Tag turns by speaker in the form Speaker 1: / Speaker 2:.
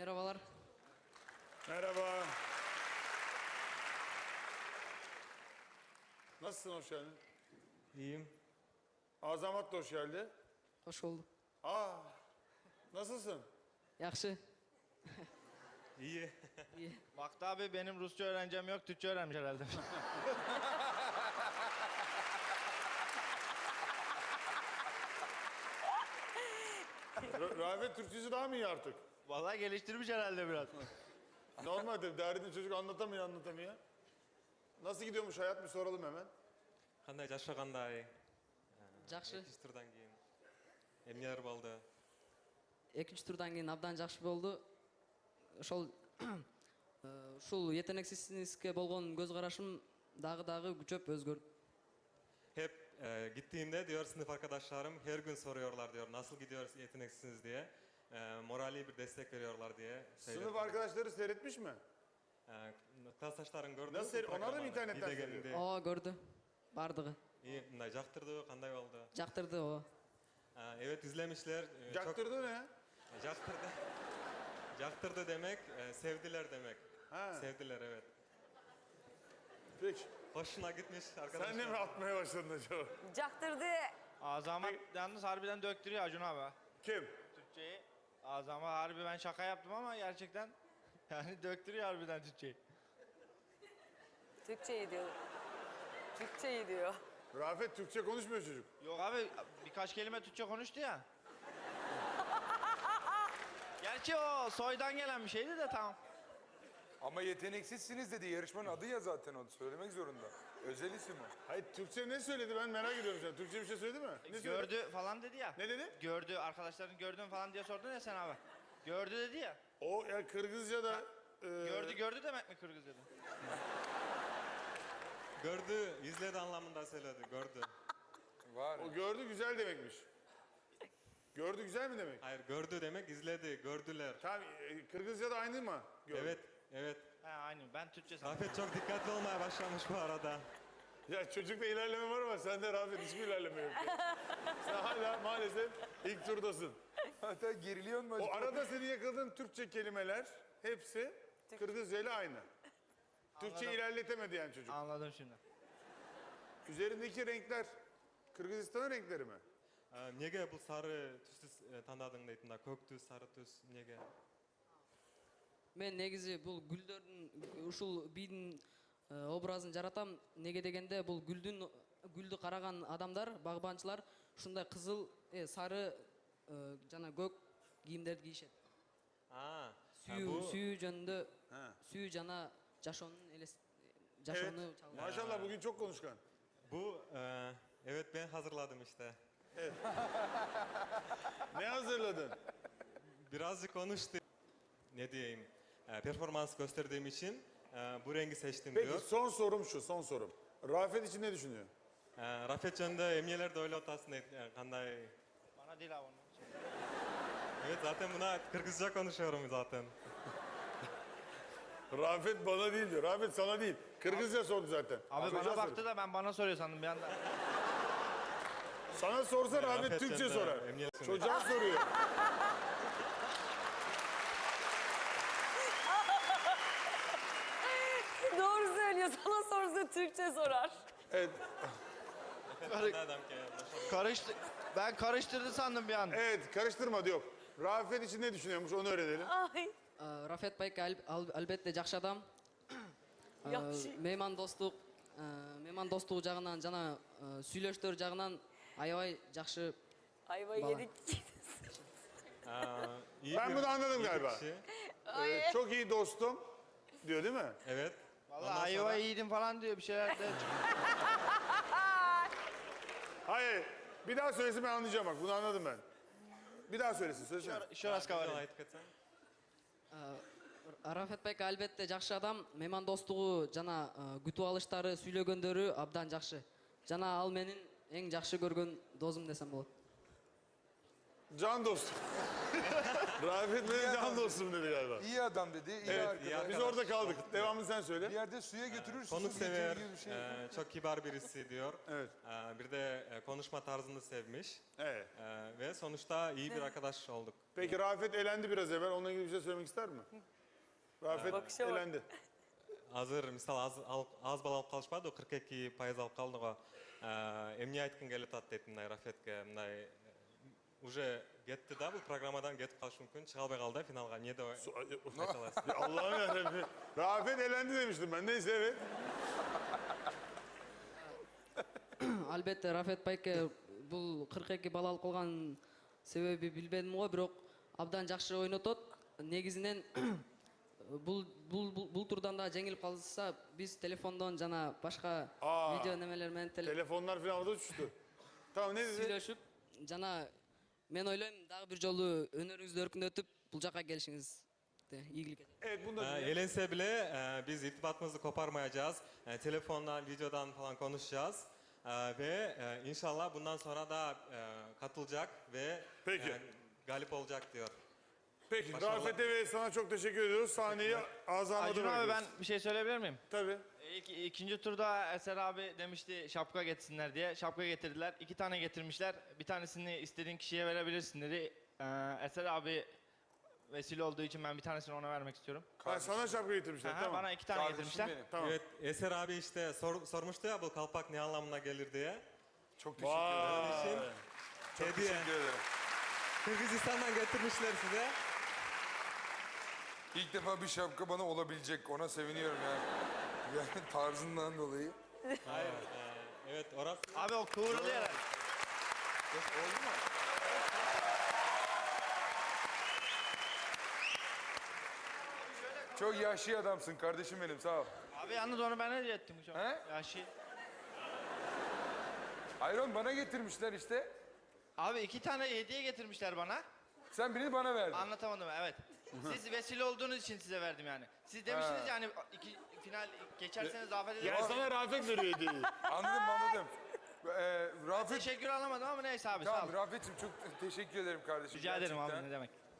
Speaker 1: Merhabalar.
Speaker 2: Merhaba. Nasılsın, hoş geldin?
Speaker 3: İyiyim.
Speaker 2: Azamat da hoş geldi.
Speaker 1: Hoş bulduk.
Speaker 2: Nasılsın?
Speaker 1: Yaxşı.
Speaker 3: İyi.
Speaker 1: İyi.
Speaker 4: Baktı abi benim Rusça öğrencem yok, Türkçe öğrenmiş herhalde.
Speaker 2: Rafet Türkçesi daha mı iyi artık?
Speaker 4: Vallahi geliştirmiş herhalde biraz.
Speaker 2: Normaldir, derdini çocuk anlatamıyor. Nasıl gidiyormuş hayat, bir soralım hemen.
Speaker 3: Qanday жашагандай?
Speaker 1: Жақсы.
Speaker 3: Экинчи турдан кийин эмнелер болду?
Speaker 1: Экинчи турдан кийин абдан жакшы болду. Ушул етенексиздикке болгон көз карашым дагы күчөп өзгөрдү.
Speaker 3: Hep gittiğimde diyor sınıf arkadaşlarım her gün soruyorlar diyor nasıl gidiyor yeteneksizsiniz diye. Morali bir destek veriyorlar diye.
Speaker 2: Sınıf arkadaşları seyretmiş mi?
Speaker 3: Klastaşların gördü.
Speaker 2: Nasıl onlar da mı internetten seyrediyor?
Speaker 1: Ооба көрдү. Бардыгы.
Speaker 3: İyi, jaktırdı, kanday oldu?
Speaker 1: Жактырды ооба.
Speaker 3: Evet izlemişler.
Speaker 2: Caktırdı ne?
Speaker 3: Jaktırdı. Jaktırdı demek, sevdiler demek.
Speaker 2: Ha.
Speaker 3: Sevdiler evet.
Speaker 2: Peki.
Speaker 3: Hoşuna gitmiş arkadaşlar.
Speaker 2: Sen de mi atmaya başladın acaba?
Speaker 5: Caktırdı.
Speaker 4: Azamat yalnız harbiden döktürüyor Acun abi.
Speaker 2: Kim?
Speaker 4: Türkçeyi. Azamat harbi ben şaka yaptım ama gerçekten yani döktürüyor harbiden Türkçeyi.
Speaker 5: Türkçeyi diyor. Türkçeyi diyor.
Speaker 2: Rafet Türkçe konuşmuyor çocuk.
Speaker 4: Yok abi birkaç kelime Türkçe konuştu ya. Gerçi o soydan gelen bir şeydi de tamam.
Speaker 6: Ama yeteneksizsiniz dedi. Yarışmanın adı ya zaten o. Söylemek zorunda. Özel isim o.
Speaker 2: Hayır, Türkçe ne söyledi, ben merak ediyorum sen. Türkçe bir şey söyledi mi? Ne söyledi?
Speaker 4: Gördü falan dedi ya.
Speaker 2: Ne dedi?
Speaker 4: Gördü arkadaşların gördün falan diye sordun ya sen abi. Gördü dedi ya.
Speaker 2: O ya Kırgızca'da...
Speaker 4: Gördü demek mi Kırgızca'da?
Speaker 3: Gördü, izledi anlamında söyledi, gördü.
Speaker 6: Var.
Speaker 2: O gördü güzel demekmiş. Gördü güzel mi demek?
Speaker 3: Hayır, gördü demek izledi, gördüler.
Speaker 2: Tamam, Kırgızca'da aynı mı? Gördü.
Speaker 3: Evet, evet.
Speaker 4: He aynı ben Türkçe sandım.
Speaker 3: Rafet çok dikkatli olmaya başlamış bu arada.
Speaker 2: Ya çocukta ilerleme var ama sende Rafet hiçbir ilerleme yok. Sen hala maalesef ilk turdasın.
Speaker 6: Hatta geriliyor mu
Speaker 2: O
Speaker 6: acaba?
Speaker 2: arada senin yakaladığın Türkçe kelimeler hepsi Kırgızca ile aynı. Türkçe
Speaker 4: Anladım.
Speaker 2: ilerletemedi yani çocuk.
Speaker 4: Anladım şimdi.
Speaker 2: Üzerindeki renkler Kırgızistan'ın renkleri mi?
Speaker 3: Nege bu sarı түстү тандадың дейт мында көк түс сары түс неге?
Speaker 1: Мен негизи бул гүлдөрдүн ушул бидің образын жаратам. Неге дегенде бул гүлдү караган адамдар, багбанчылар ушундай кызыл, сары жана көк кийимдерди кийишет. Сүйүү жөнүндө сүйүү жана жашоонун
Speaker 2: Evet.
Speaker 1: чалган.
Speaker 2: Maşallah bugün çok konuşkan.
Speaker 3: Bu evet ben hazırladım işte.
Speaker 2: Ne hazırladın?
Speaker 3: Birazcık konuştu. Ne diyeyim? Performans gösterdiğim için bu rengi seçtim
Speaker 2: Peki
Speaker 3: diyor.
Speaker 2: son sorum şu, son sorum. Rafet için ne düşünüyor?
Speaker 3: Rafet жөнүндө эмнелерди ойлоп атасың дейт. Кандай?
Speaker 4: Bana değil abi onu.
Speaker 3: Evet zaten buna Kırgızca konuşuyorum zaten.
Speaker 2: Rafet bana değil diyor. Rafet sana değil. Kırgızca sordu zaten.
Speaker 4: Abi
Speaker 2: Çocuğa
Speaker 4: bana
Speaker 2: soruyor.
Speaker 4: baktı da ben bana soruyor sandım bir anda.
Speaker 2: Sana sorsa Rafet
Speaker 3: Rafet
Speaker 2: Türkçe
Speaker 3: Cem'de
Speaker 2: sorar.
Speaker 3: emniyet sunuyor.
Speaker 2: Çocuğa soruyor.
Speaker 5: Doğru söylüyor. Sana sorsa Türkçe sorar.
Speaker 2: Evet,
Speaker 3: Adam ki.
Speaker 4: Ben karıştırdı sandım bir an.
Speaker 2: evet karıştırma diyor. Rafet için ne düşünüyormuş onu öğrenelim.
Speaker 5: Ay.
Speaker 1: Рафет байке албетте жакшы адам.
Speaker 5: Жакшы.
Speaker 1: Меймандостук жагынан жана сүйлөштөр жагынан аябай жакшы.
Speaker 5: Ayva
Speaker 1: Bana.
Speaker 5: yedik.
Speaker 3: İyi
Speaker 2: Ben
Speaker 3: bir-
Speaker 2: bunu anladım
Speaker 3: iyi bir
Speaker 2: galiba.
Speaker 3: kişi.
Speaker 2: Çok iyi dostum diyor değil mi?
Speaker 3: Evet.
Speaker 4: Vallahi
Speaker 3: Ondan sonra-
Speaker 4: ayva yedim falan diyor bir şeyler de.
Speaker 2: Hayır. Bir daha söylesin ben anlayacağım bak. Bunu anladım ben. Bir daha söylesin. Söylesene.
Speaker 4: Şurası
Speaker 3: Bir daha
Speaker 4: kavar.
Speaker 3: aytıp ketsең.
Speaker 1: Рафет байке албетте жакшы адам. Меймандостугу жана күтүп алыштары, сүйлөгөндөрү абдан жакшы. Жана ал менин эң жакшы көргөн досум десем болот.
Speaker 2: Can dostum. Rafet benim can dostum dedi galiba.
Speaker 6: İyi adam dedi, iyi
Speaker 2: Evet,
Speaker 6: arkadaş.
Speaker 3: iyi arkadaş.
Speaker 2: Biz orada kaldık. Devamını sen söyle.
Speaker 6: Bir yerde suya götürür, susuz
Speaker 3: Konuksever,
Speaker 6: getirir gibi bir şey.
Speaker 3: çok kibar birisi diyor.
Speaker 2: Evet.
Speaker 3: Bir de konuşma tarzını sevmiş.
Speaker 2: Evet.
Speaker 3: Ve sonuçta iyi bir arkadaş olduk.
Speaker 2: Peki Rafet elendi biraz evvel. Onunla ilgili bir şey söylemek ister mi? Rafet
Speaker 5: Bakışa bak.
Speaker 2: elendi.
Speaker 3: Азыр мисалы аз балл алып калышпады го 42% алып калдык го эмне айткың келип атат дейт мындай Рафетке мындай уже кетти да бул программадан кетип калышы мүмкүн чыга албай калды финалга эмне деп айта аласыз?
Speaker 2: Ya Allah'ım yarabbim. Rafet elendi demiştim ben. Neyse evet.
Speaker 1: Албетте Рафет байке бул 42 балл алып калган себеби билбедим го, бирок абдан жакшы ойнотот. Негизинен бул турдан да жеңилип калса, биз телефондон жана башка
Speaker 2: Aa.
Speaker 1: видео немелер менен
Speaker 2: Telefonlar falan havada uçuştu. Tamam ne dedi?
Speaker 1: сүйлөшүп, жана мен ойлойм дагы бир жолу өнөрүңүздү өркүндөтүп бул жака келишиңизди ийгилик этет.
Speaker 2: Evet bunu da dinleyelim.
Speaker 3: Elense bile biz irtibatımızı koparmayacağız. Telefondan, videodan falan konuşacağız. Ve inşallah bundan sonra da katılacak ve
Speaker 2: Peki.
Speaker 3: galip olacak diyor.
Speaker 2: Peki
Speaker 3: Başarılar.
Speaker 2: Rafet'e ve sana çok teşekkür ediyoruz. Sahneyi Azam'a
Speaker 4: Acun abi ben bir şey söyleyebilir miyim?
Speaker 2: Tabii.
Speaker 4: İkinci turda Eser abi demişti şapka getirsinler diye. Şapka getirdiler. 2 tane getirmişler. Bir tanesini istediğin kişiye verebilirsin dedi. Eser abi vesile olduğu için ben bir tanesini ona vermek istiyorum.
Speaker 2: Ha, sana şapka getirmişler.
Speaker 4: Aha,
Speaker 2: Tamam.
Speaker 4: Bana 2 tane
Speaker 6: Kardeşim
Speaker 4: getirmişler.
Speaker 6: benim.
Speaker 2: Tamam.
Speaker 3: Evet, Eser abi işte sormuştu ya bu kalpak ne anlamına gelir diye.
Speaker 6: Çok teşekkür ederim.
Speaker 2: Vay.
Speaker 6: Çok
Speaker 3: Hediye.
Speaker 6: teşekkür ederim.
Speaker 3: Kırgızistan'dan getirmişler size.
Speaker 6: İlk defa bir şapka bana olabilecek. Ona seviniyorum yani. Yani tarzından dolayı.
Speaker 3: Hayır. Evet, orası.
Speaker 4: Abi o kıvrılıyor.
Speaker 6: Oldu mu? Çok yaşlı adamsın kardeşim benim sağ ol.
Speaker 4: Abi yalnız onu ben hediye ettim hocam.
Speaker 6: He?
Speaker 4: Yaşı.
Speaker 6: Hayır oğlum bana getirmişler işte.
Speaker 4: Abi 2 tane hediye getirmişler bana.
Speaker 6: Sen birini bana verdin.
Speaker 4: Anlatamadım evet. Siz vesile olduğunuz için size verdim yani. Siz demiştiniz yani final geçerseniz afet ederim.
Speaker 2: Yani sana Rafet veriyor hediyeyi.
Speaker 6: Anladım. Rafet,
Speaker 4: Teşekkür alamadım ama neyse abi sağ ol.
Speaker 6: tamam Rafet'ciğim çok teşekkür ederim kardeşim.
Speaker 4: Rica ederim abi
Speaker 6: gerçekten.
Speaker 4: ne demek.